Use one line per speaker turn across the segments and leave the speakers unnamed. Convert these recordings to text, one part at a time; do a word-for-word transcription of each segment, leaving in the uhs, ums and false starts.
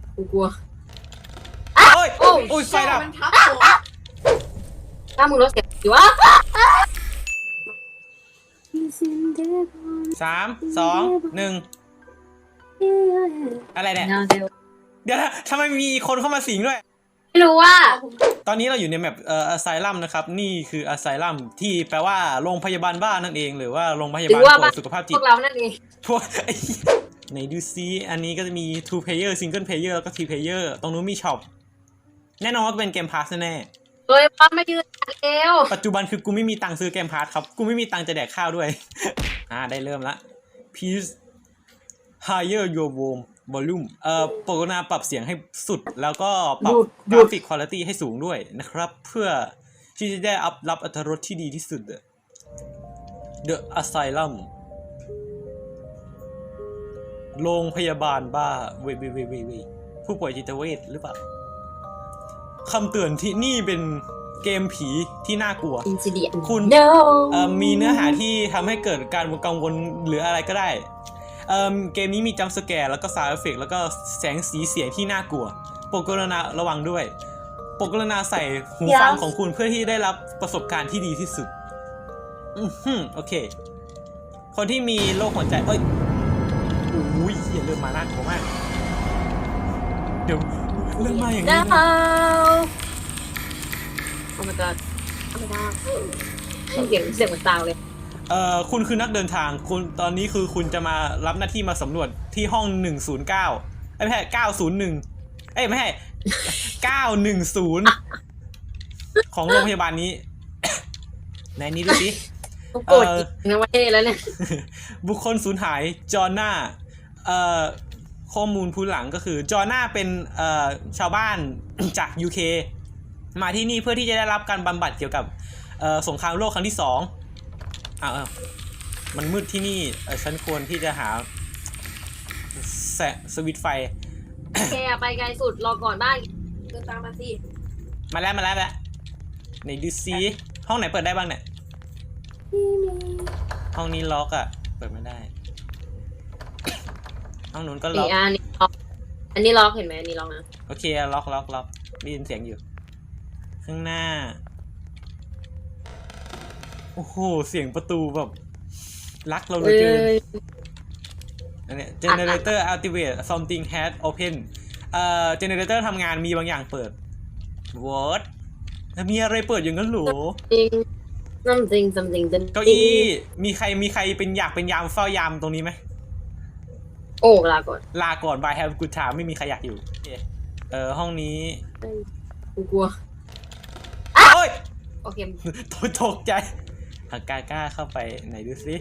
กูกลัว
โอ้ยโอ้ยไฟดับ
ถ้ามึงรถเสียอยู่วะ
สามสองหนึ่งอะไรเนี่ยเดี๋ยวนะทำไมมีคนเข้ามาสิงด้วย
ไม่รู้ว่า
ตอนนี้เราอยู่ในแมปเอ่ออะไซลัมนะครับนี่คืออะไซลัมที่แปลว่าโรงพยาบาลบ้านั่นเองหรือว่าโรงพยาบาลป่วยสุขภาพจิต
พวกเรานั่นเอง
พวกไหนดูซิอันนี้ก็จะมี two player single player แล้วก็ three player ตรงนู้นมีช็อปแน่นอนว่าเป็นเกมพาสแน่
โดยปั๊มไม่ยืดเอว
ปัจจุบันคือกูไม่มีตังค์ซื้อเกมพาสครับกูไม่มีตังค์จะแดกข้าวด้วยอ่าได้เริ่มละ please higher your volume volume เอ่อโปรนาปรับเสียงให้สุดแล้วก็ปรับกราฟิกคุณภาพให้สูงด้วยนะครับเพื่อที่จะได้อัพรับอรรถรสที่ดีที่สุด The Asylum โรงพยาบาลบ้าเวยเวยเวยเวยเวยผู้ป่วยจิตเวชหรือเปล่าคำเตือนที่นี่เป็นเกมผีที่น่ากลัวคุณมีเนื้อหาที่ทำให้เกิดการกังวลหรืออะไรก็ได้เอ่อเกมนี้มีจัมป์สแกร์แล้วก็ซาวด์เอฟเฟกต์แล้วก็แสงสีเสียงที่น่ากลัวโปรดกรุณาระวังด้วยโปรดกรุณาใส่หูฟังของคุณเพื่อที่ได้รับประสบการณ์ที่ดีที่สุดอือฮึโอเคคนที่มีโรคหัวใจเอ้ยอุ้ยเหี้ยเริ่มมาน่ากลัวมากเดี๋ยวเริ่มมาอย่างนี้นะ
โอ้ my god โอ้ my god เสียงเสียงเหมือนตาวเลย
เอ่อคุณคือนักเดินทางคุณตอนนี้คือคุณจะมารับหน้าที่มาสำรวจที่ห้องหนึ่งศูนย์เก้าไม่ใช่เก้าศูนย์หนึ่งเอ้ยไม่ใช่เก้าหนึ่งศูนย์ของโรงพยาบาลนี้ในนี้ดูสิ
โกรธจริงนะว่าเท่แล้วเนี่ย
บุคคลสูญหายจอห์นน่าเอ่อข้อมูลพื้นหลังก็คือจอห์นน่าเป็นเอ่อชาวบ้านจาก ยู เค มาที่นี่เพื่อที่จะได้รับการบำบัดเกี่ยวกับเอ่อสงครามโลกครั้งที่สองอ้าวมันมืดที่นี่ฉันควรที่จะหาแสสวิตไฟ
แกไปไกลสุดรอก่อนบ้างเดินตามมาสิ
มาแล้วมาแล้วแล้วไหนดูซิห้องไหนเปิดได้บ้างเนี่ยห้องนี้ล็อกอ่ะเปิดไม่ได้ห้องนู้นก็ล็อก
อันนี้ล็อกอันนี้ล็อกเห็นไหมอันนี้ล็อกนะ
โอเคล็อกล็อกล็อกได้ยินเสียงอยู่ข้างหน้าโอ้โหเสียงประตูแบบรักเราเลยเกินอันนี้ generator activate something has open เอ่อ generator ทำงานมีบางอย่างเปิด what มีอะไรเปิดอย่างนั้นหรอ
something something
เก้าอี้มีใครมีใครเป็นอยากเป็นยามเฝ้ายามตรงนี้ไหม
โอ้ลาก่อน
ลาก่อน bye have good time ไม่มีใครอยากอยู่เออห้องนี้
กูกลัว
โอ้ย
โอเค
ตกใจหากล้าเข้าไปไหนดูสิ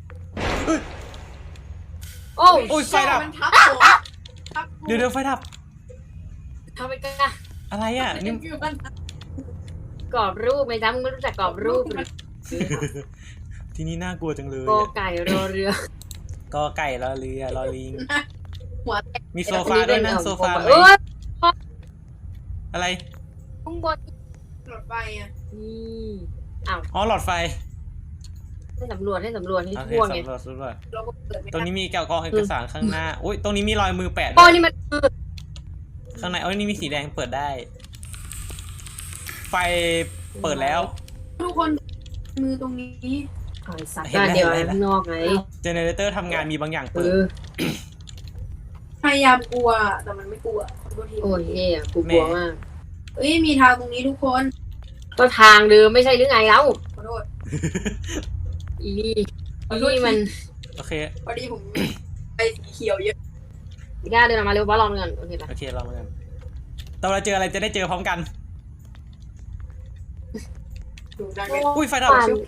โอ้
โอ้ยไฟดับเดี๋ยวเดี๋ยวไฟดับ
ทำไปกล้า
อะไรอ่ะนี่
กรอบรูปไหมจ๊ะมึงไม่รู้จักกรอบรูป
ทีนี้น่ากลัวจังเลย
กอไก่รอเรือ
กอไก่รอเรือรอลิงมีโซฟาด้วยนะโซฟาไหมอะไร
ข้างบนหลอดไฟอ่ะนี่อ้าว
อ๋อหลอดไฟ
ให้สำรวจให้สำรวจให้ทั่วไง
ตรงนี้มีกองเอกสารข้างหน้าโอ้ยตรงนี้มีรอยมือแปะ
โอ้นี่มัน
ข้างในโอ้ยนี่มีสีแดงเปิดได้ไฟเปิดแล้ว
ทุกคนมือตรงนี้
เห็นเดี๋ยวข้างนอกไง
เจเนเรเตอร์ทำงานมีบางอย่างเปิด
พยายามกลัวแต่มันไม่กลัว
โอ้ยเฮ้ยกูกลัวมาก
เอ้ยมีทางตรงนี้ทุกคน
ก็ทางเดิมไม่ใช่หรือไงแล้วขอโทษอีนี่อีนี่มัน
โอเค
พอดีผมไปสีเขียวเยอะ
พี่ก้าเดินมาเร็วบ้าลองเงินโอเคปะ
โอเคลองเงินตอนเราเจออะไรจะได้เจอพร้อมกันอุ้ยไฟดับ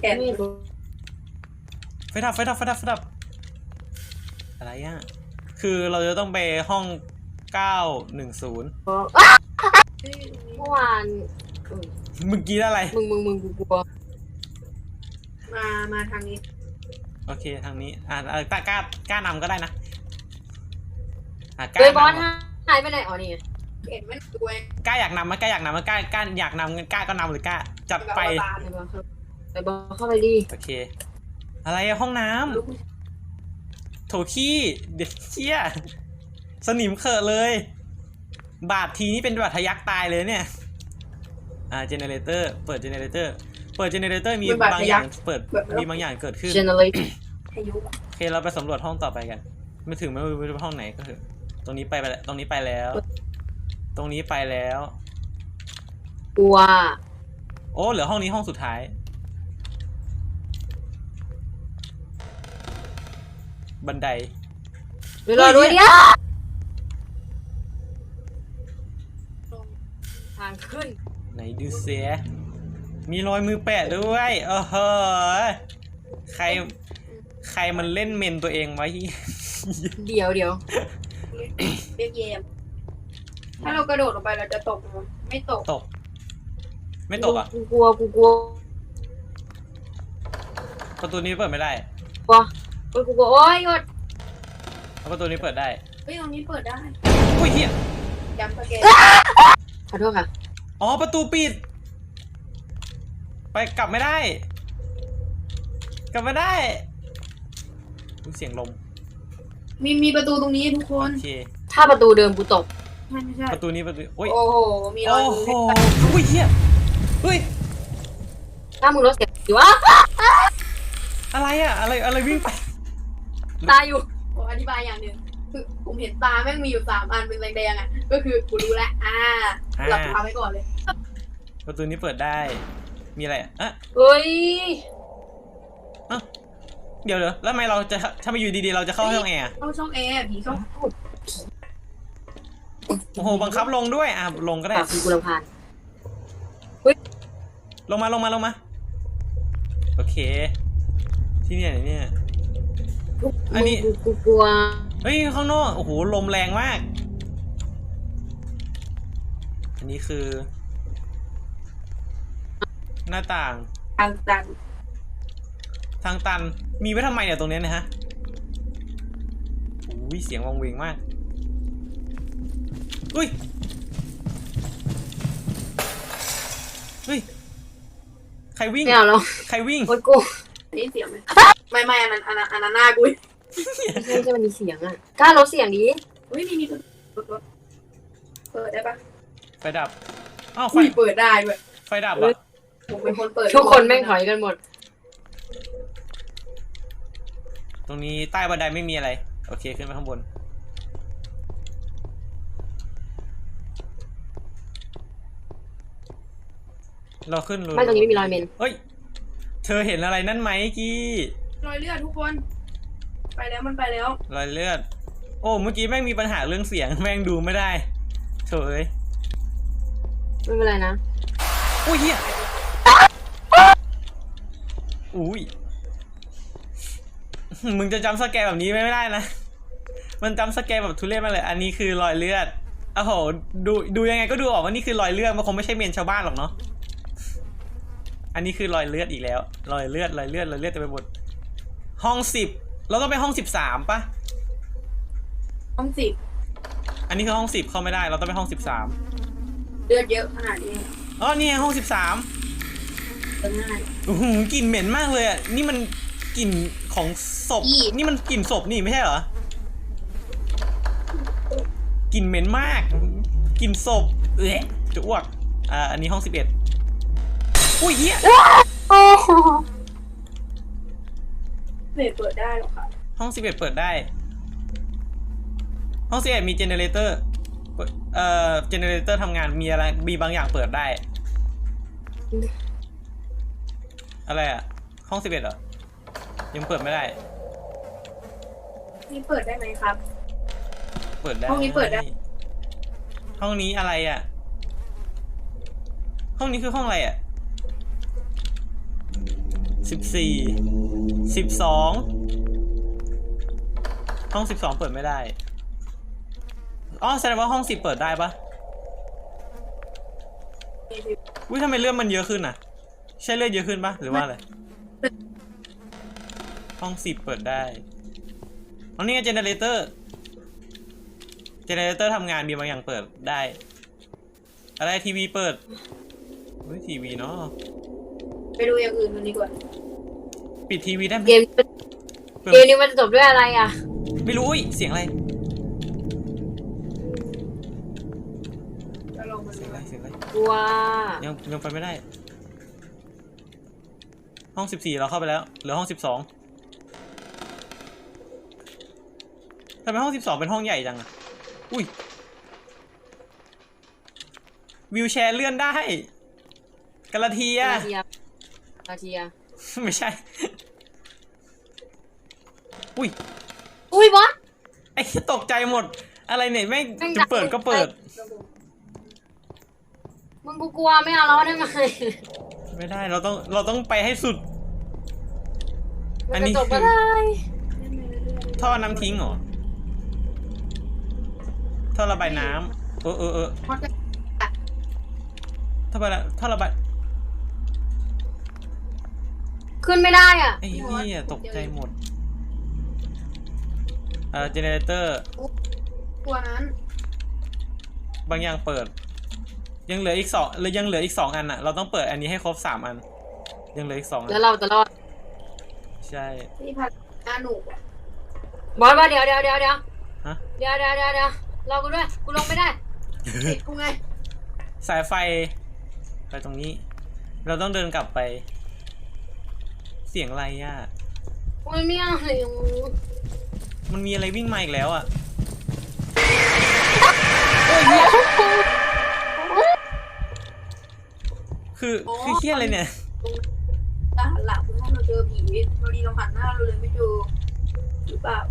ไฟดับไฟดับไฟดับไฟดับอะไรอ่ะคือเราจะต้องไปห้องเก้าหนึ่งศูนย์
เมื่อวาน
มึงกินอะไร
มึงมึงมึงกูกลัว
มามาทางนี้
โอเคทางนี้อ่ากล้ากล้ากล้านำก็ได้นะ
อ่ากล้าบอลหายไปไหนอ๋อนี่
เห็นมันด้วย
กล้าอยากนำมั้ยกล้าอยากนำมั้ยกล้ากล้าอยากนำกล้าก็นำหรือกล้าจัดไป
ไปบอลเข้าไปดิ
โอเคอะไรอะห้องน้ำโถขี้เด็กเชี่ยสนิมเขอะเลยบาดทีนี่เป็นบาดทะยักตายเลยเนี่ยอ่าเจเนเรเตอร์เปิดเจเนเรเตอร์เปิดเจเนเรเตอร์มีบางอย่างเปิดมีบางอย่างเกิดขึ้น
generate
พายุอะ
โอเคเราไปสำรวจห้องต่อไปกันไม่ถึงไม่รู้ว่าห้องไหนก็คือตรงนี้ไปไปแล้วตรงนี้ไปแล้ว ตรงนี้ไปแล้ว
กลัว
โอ้เหลือห้องนี้ห้องสุดท้ายบันได
เดี๋ยวรอด้วยเนี่ยทางขึ้น
ไหนดูเสียมีรอยมือแปะด้วยโอ้โหใครใครมันเล่นเมนตัวเองไว้
เดี๋ยวเดี๋ยว
เรียกเยมถ้าเรากระโดดลงไปเราจะตกไหมไม่ตก
ตก ไม่ตกอ่ะ
กูกลัวกูกลัว
ประตูนี้เปิดไม่ได้
กลัวกูกลัวโอ๊ยหยุด
ประตูนี้เปิดได้
เฮ้ยตรงนี้เปิดได้
อุ้ยเฮีย
ย้ำสแกน
ขอโทษค่ะ
อ๋อประตูปิด ไปกลับไม่ได้ กลับไม่ได้อุ๊ยเสียงลม
มีมีประตูตรงนี้ทุกคน
โอเค
ถ้าประตูเดิมกูตก
ใช่ไม่ใช่
ประตูนี้ประตูโอ้ย
โอ้โหมีรอ
โอ้
ยมื
โห
อ
อุ้ยเฮียเฮ้ย
ถ้ามึงรถเสียอยู่วะ
อะไรอะอะไรอะไรวิ่งไป
ตายอยู่
ผมอธิบายอย่างหนึ่งคือผมเห็นตาแม่งมีอยู่สามอันเป็นแดงๆอ่ะก็คือกูรู้แล้วอ่าหลับตาไว้ก่อนเลย
ประตูนี้เปิดได้ มีอะไรอะอ่ะ
เฮ้ย
เอ้าเดี๋ยวเดี๋ยวแล้วทำไมเราจะถ้ามาอยู่ดีๆเราจะเข้าห้องแอร์อะ
เข้าช่องแอร์ผีช่อง
โอ้โหบังคับลงด้วยอ่ะลงก็ได้
ปากกูรำคาญ
ลงมาลงมาลงมาโอเค ที่เนี่ยไหนเนี่ย อันนี้
กูกูกลัว
เฮ้ยข้างนอกโอ้โหลมแรงมาก อันนี้คือ หน้าต่าง
ทางตัน
ทางตันมีไว้ทำไมเนี่ยตรงเนี้ยนะฮะอุ้ยเสียงวังเวงมากอุ้ยเฮ้ยใครวิ่ง
ไม่เอาแล้ว
ใครวิ่ง
โอ๊ยกู
ได้ยินเสียงไหมไม่ไม่อันนั้นอันนั้นอันนั้นหน้ากู
ไม่ใช่ไม่ใช่มันมีเสียงอ่ะกล้าลดเสียงดิ
เฮ้ยมีมีประตูเปิดได้ปะ
ไฟดับอ้าวไฟ
อุ้ยเปิดได้ด้วย
ไฟดับอ่ะ
ผมเป็นคนเปิด
ทุกคนแม่งถอยกันหมด
ตรงนี้ใต้บันไดไม่มีอะไรโอเคขึ้นไปข้างบนเราขึ้นเลย
ไม่ตรงนี้ไม่มีรอยเมน
เฮ้ยเธอเห็นอะไรนั่นไหมกี้
รอยเลือดทุกคน ไปแล้วมันไปแล้ว
รอยเลือดโอ้เมื่อกี้แม่งมีปัญหาเรื่องเสียงแม่งดูไม่ได้โถเอ้ย
ไม่เป็นไรนะ
อุ้ยเฮียอุ้ยมึงจะจำสแกร์แบบนี้ไม่ได้นะมันจำสแกร์แบบทุเรศมากเลยอันนี้คือรอยเลือดโอ้โหดูดูยังไงก็ดูออกว่านี่คือรอยเลือดมันคงไม่ใช่เมนชาวบ้านหรอกเนาะอันนี้คือรอยเลือดอีกแล้วรอยเลือดรอยเลือดรอยเลือดเต็มไปหมดห้องสิบเราต้องไปห้องสิบสามปะ
ห้องสิบ
อันนี้คือห้องสิบเข้าไม่ได้เราต้องไปห้องสิบสาม
เลือดเยอะขนาดนี้
อ๋อนี่ไงห้องสิบสาม
เปิดง่าย
โอ้โหกลิ่นเหม็นมากเลยอ่ะนี่มันกลิ่นของศพ
อี
นี่มันกลิ่นศพนี่ไม่ใช่เหรอกลิ่นเหม็นมากกลิ่นศพเอ๊ะจะอ้วกอ่าอันนี้ห้องสิบเอ็ดอุ้ยเหี้ย
โอ้โห
ไม่เปิดได้หรอกค่ะ
ห้องสิบเอ็ดเปิดได้ห้องสิบเอ็ดมีเจเนเรเตอร์เอ่อเจเนเรเตอร์ทำงานมีอะไรมีบางอย่างเปิดได้อะไรอ่ะห้องสิบเอ็ดเหรอยังเปิดไม่ได้
นี่เปิดได้ไหมครับ
เปิดได้
ห้องนี้เปิดได้
ห้องนี้อะไรอ่ะห้องนี้คือห้องอะไรอ่ะสิบสี่สิบสองห้องสิบสองเปิดไม่ได้อ๋อแสดงว่าห้องสิบเปิดได้ปะอุ้ยทำไมเลือดมันเยอะขึ้นอ่ะใช่เลือดเยอะขึ้นปะหรือว่าอะไรห้องสิบเปิดได้อ๋อนี่ไงเจเนเรเตอร์เจเนเรเตอร์ทำงานมีบางอย่างเปิดได้อะไรทีวีเปิดเฮ้ยทีวีเนาะ
ไปดูอย่างอื่นกันดีกว่า
ปิดทีวีได้ไหม
เกมเกมนี้มันจะจบด้วยอะไรอ่ะ
ไม่รู้อุ้ยเสียงอะไร
ลงมา
เสียงอะไรเสียงอะไร
กลัว
ยังยังไปไม่ได้ ห้องสิบสี่เราเข้าไปแล้วเหลือห้องสิบสองทำไมห้องสิบสองเป็นห้องใหญ่จังอะอุ้ยวิวแชร์เลื่อนได้กระเทีย
กระเทียมกระเทียม
ไม่ใช่ อุ้ย
อุ้ยบอส
ไอ้ตกใจหมด อะไรเนี่ยแม่ง
แม่ง
จะเปิดก็เปิด
มึงกูกลัวไม่เอาแล้วได้ไหม
ไม่ได้เราต้องเราต้องไปให้สุด อั
มัน
นนี้
จะจบ
คื
ก็
อ
ได้
ท่อน้ำทิ้งเหรอ ท่อระบายน้ำเออเออเออ
เพราะจะ
ท่อระบายท่อระบาย
ขึ้นไม่ได้อ่ะ
ไอ้เหี้ยตกใจหมดเอ่อเจเนเรเตอร์
ตัวนั้น
บางอย่างเปิด ยังเหลืออีกสองหรือยังเหลืออีกสองอันอ่ะเราต้องเปิดอันนี้ให้ครบสามอัน ยังเหลืออีกสองอัน
แล้วเราจะรอด
ใช่
ที่พัดอาหนุกอะ
บอสมาเดี๋ยวเดี๋ยวเดี๋ยวเดี๋ยว
ฮะ
เดี๋ยวเดี๋ยวเดี๋ยวเดี๋ยวรอกูด้วยกูลงไม่ได้
ติดกูไง
สายไฟไปตรงนี้ เราต้องเดินกลับไป เสียงอะไรอ่ะ
มันไม่เอาเลย
มันมีอะไรวิ่งมาอีกแล้วอ่ะคือคือเฮี้ยอะไรเนี่ย
ตาหันหลังเพื่อให้เราเจอผีพอดีเราหันหน้าเราเลยไม่เจอหรือเปล่า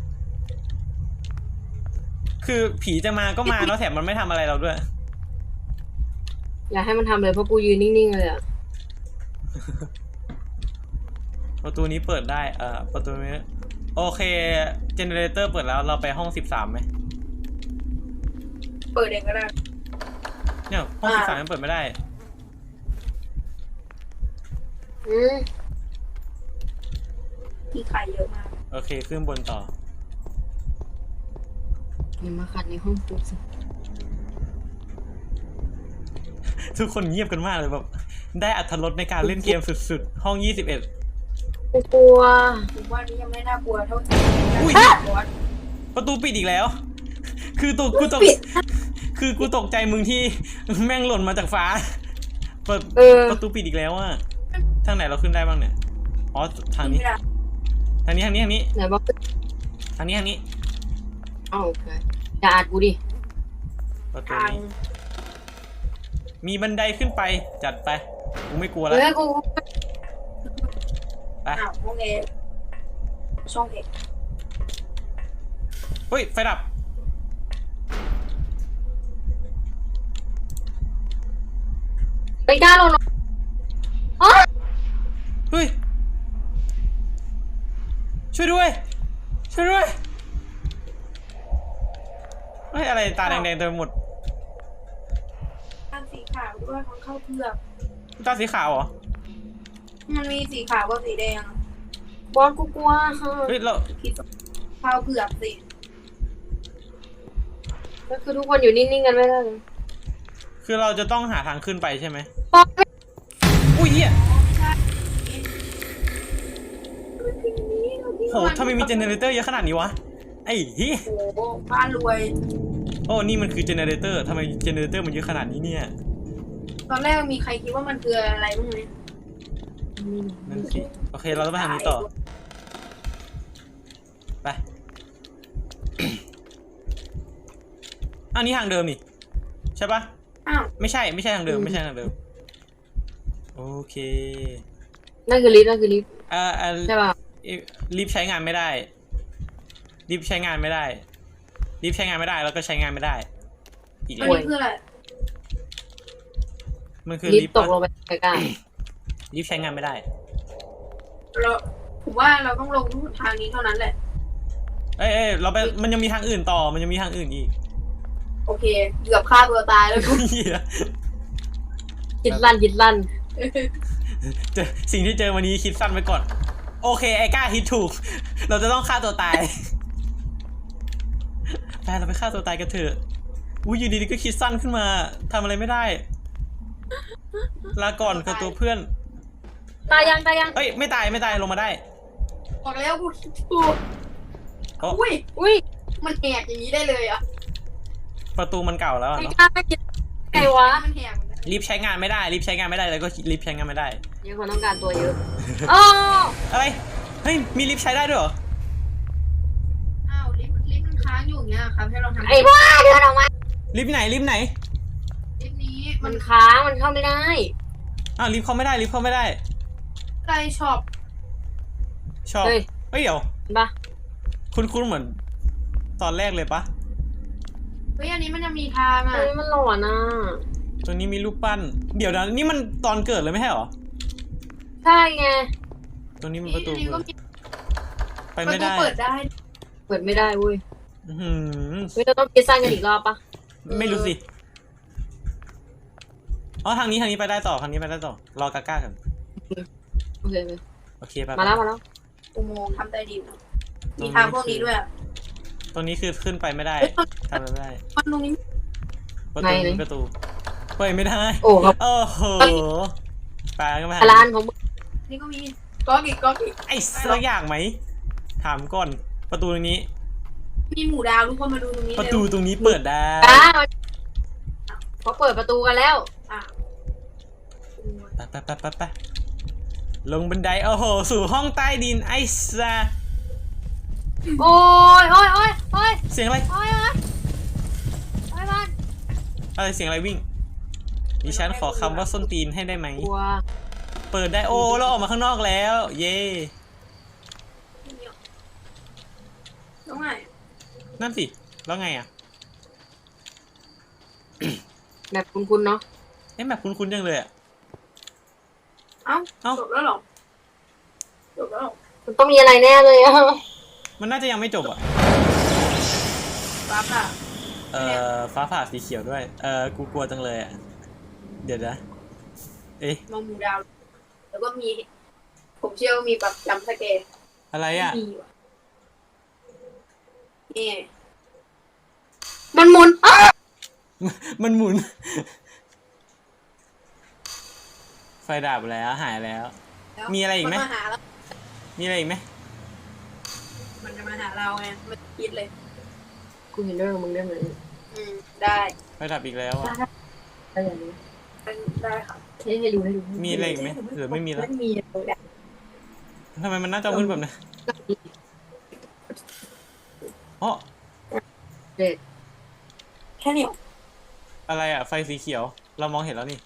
คือผีจะมาก็มาแล้วแถมมันไม่ทำอะไรเราด้วย
อย่าให้มันทำเลยเพราะกูยืนนิ่งๆเลยอ่ะ
ประตูนี้เปิดได้ เอ่อ ประตูนี้ โอเค เจเนเรเตอร์เปิดแล้ว เราไปห้องสิบสามไหม
เปิดเองก็ได้
เนี่ยห้องสิ
อ่า
บสามยังเปิดไม่ได้
อืม
ที่ไข่เยอะมาก
โอเค ขึ้นบนต่อ
อย่ามาขัดในห้องกูสิ
ทุกคนเงียบกันมากเลยแบบ ได้อรรถรสในการเล่นเกมสุดๆ ห้องยี่สิบเอ็ด
กูกลัว
ผมว่านี้ยังไม่น่ากลัวเท่าที่
อุ้ย
น่ากลัว
ประตูปิดอีกแล้ว คือตัวกูตก
ปิด
คือกูตกใจมึงที่แม่งหล่นมาจากฟ้า เปิด
เออ
ประตูปิดอีกแล้วอะทางไหนเราขึ้นได้บ้างเนี่ย อ๋อ ทางนี้
ไม่ได้
ทางนี้ ทางนี้ ทางนี้
ไหนบอก
ทางนี้ ทางนี้
อ้าวโอเคอย่าอัดกูดิ
ประตู
ทาง
นี้ มีบันไดขึ้นไป จัดไป กูไม่กลัวแล้ว
เฮ้ยกู
ไป
อ้าวห้องเอช่องเอก
เฮ้ย ไฟดับ
ไปกล้าลงหรออ๋อ
เฮ้ย ช่วยด้วย ช่วยด้วย เฮ้ย อะไรตาแดงๆเต็มไปหมด
ทางสีขาวด้วยของเข้าเผือก
ตาสีขาวเหรอ
มันมีสีขาวกับสีแดง
บอสกูกลัวค่ะ
เฮ้ย เรา
คิดข้าวเผือกสิ
ก็คือทุกคนอยู่นิ่งๆกันไม่ได้เลย
คือเราจะต้องหาทางขึ้นไปใช่ไหม
บอสไม่
อุ้ยเหี้ย
มันเป็นอย่างนี้เราพี่
โหทำไมมีเจเนเรเตอร์เยอะขนาดนี้วะ ไอ้เหี้ย
โอ้โหบ้านรวย
โอ้นี่มันคือเจเนเรเตอร์ทำไมเจเนเรเตอร์มันเยอะขนาดนี้เนี่ย
ตอนแรกมีใครคิดว่ามันคืออะไรบ้างไหม
นั่นสิ โอเค เราต้องไปทางนี้ต่อ ไป อันนี้ทางเดิมนี่ ใช่ปะ
อ้าว
ไม่ใช่ ไม่ใช่ทางเดิม ไม่ใช่ทางเดิม โอเค
นั่นคือลิฟต์นั่นคือลิฟต์
เอ่อเอ่อ
ใช่ป่ะ
ลิฟต์ใช้งานไม่ได้ ลิฟต์ใช้งานไม่ได้ ลิฟต์ใช้งานไม่ได้ แล้วก็ใช้งานไม่ได้ อีก
อั
แล้
น
ว
นี้คืออะไร
มันคือ
ลิ
ลิ
ฟ
ฟ
ต์
ต์
ตกลงไปใกล้
ลิฟต์ใช้งานไม่ได้
เราผมว่าเราต้องลงทางนี้เท่านั้นแหละ
เอ้ยเอ้ยเราไป มันยังมีทางอื่นต่อ มันยังมีทางอื่นอีก
โอเคเกือบฆ่าตัวตายแล้วกู
เหี้ย
ๆคิดลั่นคิดลั่น
เจอสิ่งที่เจอวันนี้คิดสั้นไว้ก่อน โอเค ไอ้กล้าคิดถูก เราจะต้องฆ่าตัวตาย ไปเราไปฆ่าตัวตายกันเถอะอุ้ยอยู่ดีๆก็คิดสั้นขึ้นมาทำอะไรไม่ได้ ลาก่อนกับตัวเพื่อน
ตายยังตายยัง
เอ้ยไม่ตายไม่ตายลงมาได้
บอกแล้วกูคิดถูก
โอ้
อุ้ย
อุ้ย
มันแหกอย่างนี้ได้เลยอ่ะ
ประตูมันเก่าแล้วอะ
ไม่
เนาะ
กล้าไม่คิดไงวะ
มันแหกหมดเลย
ลิฟต์ใช้งานไม่ได้ลิฟต์ใช้งานไม่ได้แล้วก็ลิฟต์ใช้งานไม่ได้
ยังคนต้องการตัวเยอะอ๋อ
อะไรเฮ้ยมีลิฟต์ใช้ได้ด้วยเหรอ
อ้าวลิฟต์ลิฟต์มันค้างอยู่อย่างเงี้ยครับให้เราทำ
ไอ้บ้าเดินออกมา
ลิฟต์ไหนลิฟต์ไหน
ลิฟต์นี้มั
มัน นค้างมันเข้าไม่ได้
อ้าวลิฟต์เข้าไม่ได้ลิฟต์เข้าไม่ได้
ใกล้ช็อป
ชอบ
เฮ้ย
เฮ้ยเดี๋ยว
เห็นปะ
คุณคุณเหมือน ตอนแรกเลยปะ
เฮ้ยอันนี้มันจะมีทางอ่ะ
เฮ้ยมันหลอนอ่ะ
ตัวนี้มีรูปปั้น เดี๋ยวนะนี่มันตอนเกิดเลยไม่ใช่เหรอ
ใช่ไง
ตัวนี้มัน
นี่
ประตู
อันนี้ก็มี
ไป
ประ
ไม่
ตู
ได้
เปิดได้
เปิดไม่ได้เว้ย
อื้อหือ
เฮ้ยเราต้องคิดสั้นกันอีกรอบปะ
ไม่รู้สิอ๋อทางนี้ทางนี้ไปได้ต่อทางนี้ไปได้ต่อรอกาก้ากัน
โอเคเลย
โอเคไป
มาแล้วมาแล้ว
อุโมงค์ทำใต้ดินอะมีทางพวกนี้ด้วยอะ
ตรงนี้คือขึ้นไปไม่ได้
เฮ้ยมัน
ทำอะไรไม่ได้
มันตรงนี้
ประตูนี้ประตูเปิดไม่ได้
โอ้ครับ
โอ้โหไปก็ไม่
ร้านของมึง
นี่ก็มีก๊อกอีกก๊อกอีก
ไอ้สักอย่างไหมถามก่อนประตูตรงนี้
มีหมูดาวทุกคนมาดูตรงนี้
ประ
เร็
ตู
ว
ตรงนี้เปิดได้
อ้าวเขาเปิดประตูกันแล้ว
อ่ะ
ไปไปไปไปไปลงบันไดโอ้โหสู่ห้องใต้ดินไอ้ซา
โอ้ยโอ้ยโอ้ยโอ้ย
เสียงอะไร
โอ้ยโอ้ยโอ้ยมัน
อะไรเสียงอะไรวิ่งดิฉันขอคำว่าส้นตีนให้ได้ไหม
กลัว
เปิดได้โอ้เราออกมาข้างนอกแล้ว เย่
ตรงไหน
นั่นสิแล้วไงอ่ะ
แบบคุ้นๆเนาะ
เอ๊ะแบบคุ้นๆจังเลยอ่ะ
เอ้า
เอ้า
จบแล้วเหรอจบแล้วเหรอ
มันต้องมีอะไรแน่เลยอะ
มันน่าจะยังไม่จบอ่ะ
ปั๊บอ่ะ
เอ่อฟ้าผ่าสีเขียวด้วย เอ่อกูกลัวจังเลยอ่ะเดี๋ยวนะเอ๊ะ
มองหมูดาว แล้วก็มี ผมเชื่อว่ามีแบบจำสเกต
อะไรอ่ะ
มีว่ะนี่มันหมุนอ้า
มันหมุน ไฟดับแล้วหายแล้ว มีอะไรอีกไหม
นมาหาแล้ว
มีอะไรอีกไหม
มันจะมาหาเราไงมันคิดเลย
กูเห็นด้วยกับมึงได้ไหม
อืม ได้
ไฟดับอีกแล้วอ่ะ
ได้อย่างนี้
ได้ค่ะ
ให้ให้ดูให้ดู
มีอะไรอีกไหมหรือไม่มีแล้ว
ไม่มีเลย
ทำไมมันน่าจะมืดแบบนั้นอ๋อ
เด็ด
แค่นี้หรอ
อะไรอ่ะ ไฟสีเขียว เรามองเห็นแล้วนี่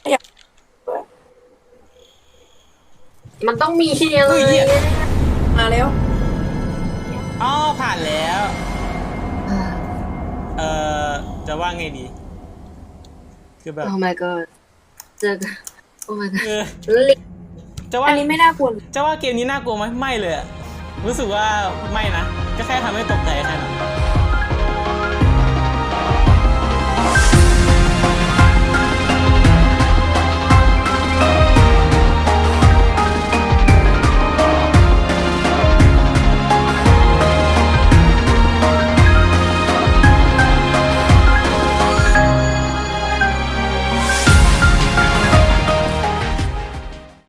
มันต้องมีอะไร
เฮ้ยเหี้ย
มาแล้ว
อ๋อผ่านแล้ว เอ่อ จะว่าไงดี คือแบบ
โอ้ my god เจอกันโอ้ my god
เออ
ลิง
จะว่า
อันนี้ไม่น่ากลัว
จะว่าเกมนี้น่ากลัวไหมไม่เลยอะรู้สึกว่าไม่นะ ก็แค่ทำให้ตกใจแค่นั้น